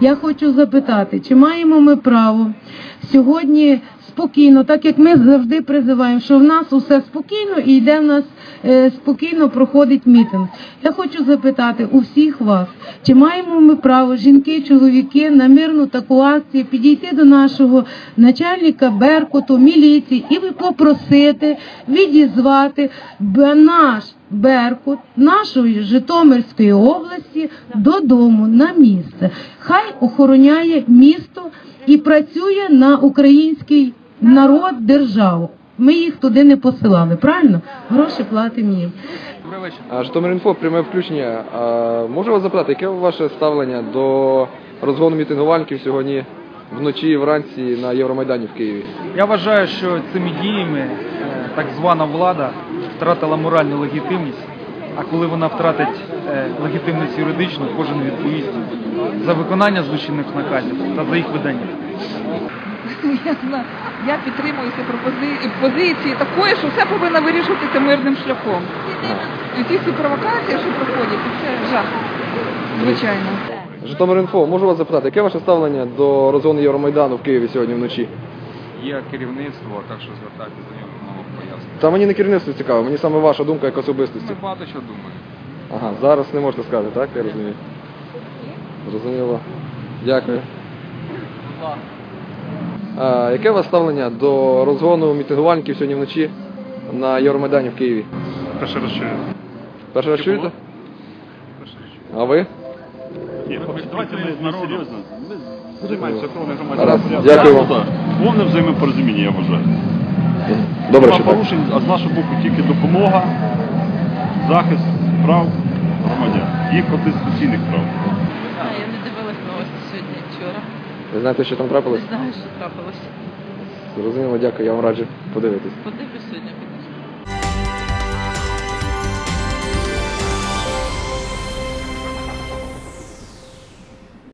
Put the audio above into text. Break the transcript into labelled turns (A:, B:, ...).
A: Я хочу запитати, чи маємо ми право сьогодні спокійно, так як ми завжди призиваємо, що в нас усе спокійно і йде в нас спокійно проходить мітинг. Я хочу запитати у всіх вас, чи маємо ми право, жінки, чоловіки, на мирну таку акцію підійти до нашого начальника Беркуту, міліції і попросити відізвати наш Беркут нашої Житомирської області додому, на місце. Хай охороняє місто і працює на український народ, державу. Ми їх туди не посилали, правильно? Гроші платимо їм.
B: Житомир.Інфо, пряме включення. Можу вас запитати, яке ваше ставлення до розгону мітингувальників сьогодні вночі і вранці на Євромайдані в Києві?
C: Я вважаю, що цими діями так звана влада втратила моральну легітимність, а коли вона втратить легітимність юридичну, кожен відповість за виконання злочинних наказів та за їх видання.
D: Я підтримую позиції такої, що все повинно вирішуватися мирним шляхом. І ті всі провокації, що проходять, це жах, звичайно.
B: Житомир.Інфо, можу вас запитати, яке ваше ставлення до розгону Євромайдану в Києві сьогодні вночі?
E: Є керівництво, так що звертайтеся до нього пояснення.
B: Та мені не керівництво цікаво, мені саме ваша думка як особистості.
E: Ми багато що думаємо.
B: Ага, зараз не можете сказати, так? Я розумію. Зрозуміло. Дякую. Яке у вас ставлення до розгону мітингувальників сьогодні вночі на Євромайдані в Києві?
F: Перший раз чую.
B: Перший раз чуєте? А ви?
F: Ні, давайте ми серйозно. Ми займаємося охороною
B: Гаразд,
F: громадянського
B: дякую вам.
F: порядку. Повне взаємопорозуміння, я вважаю.
B: Добре,
F: Нема
B: що так.
F: порушень, а з нашого боку тільки допомога, захист прав громадян, їх конституційних прав.
G: Я не дивилась новості сьогодні, вчора.
B: Ви знаєте, що там трапилось?
G: Не знаю, що трапилося.
B: Зрозуміло, дякую, я вам раджу подивитись.
G: Подивлюсь сьогодні.